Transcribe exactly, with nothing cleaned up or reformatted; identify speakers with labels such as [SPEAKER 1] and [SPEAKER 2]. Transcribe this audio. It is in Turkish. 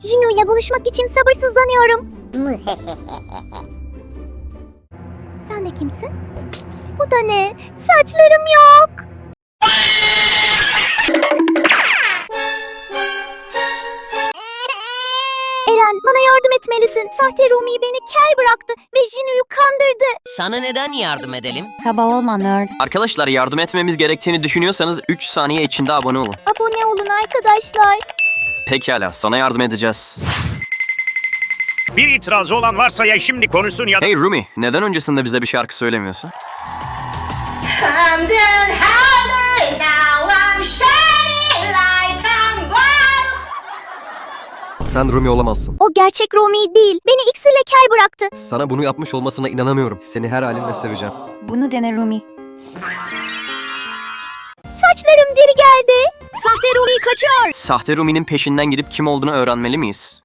[SPEAKER 1] Jinu ile buluşmak için sabırsızlanıyorum. Sen de kimsin? Bu da ne? Saçlarım yok. Eren, bana yardım etmelisin. Sahte Rumi beni kel bıraktı ve Jinu'yu kandırdı.
[SPEAKER 2] Sana neden yardım edelim?
[SPEAKER 3] Kaba olma nerd.
[SPEAKER 4] Arkadaşlar yardım etmemiz gerektiğini düşünüyorsanız üç saniye içinde abone olun.
[SPEAKER 1] Abone olun arkadaşlar.
[SPEAKER 4] Pekala, sana yardım edeceğiz.
[SPEAKER 5] Bir itirazı olan varsa ya şimdi konuşsun ya da...
[SPEAKER 4] Hey Rumi, neden öncesinde bize bir şarkı söylemiyorsun?
[SPEAKER 6] I'm doing harder now, I'm shining like I'm gold.
[SPEAKER 7] Sen Rumi olamazsın.
[SPEAKER 1] O gerçek Rumi değil. Beni iksirle kel bıraktı.
[SPEAKER 7] Sana bunu yapmış olmasına inanamıyorum. Seni her halinle seveceğim.
[SPEAKER 3] Bunu dene Rumi.
[SPEAKER 1] Saçlarım deri geldi.
[SPEAKER 3] Sahte Rumi kaçıyor.
[SPEAKER 4] Sahte Rumi'nin peşinden gidip kim olduğunu öğrenmeli miyiz?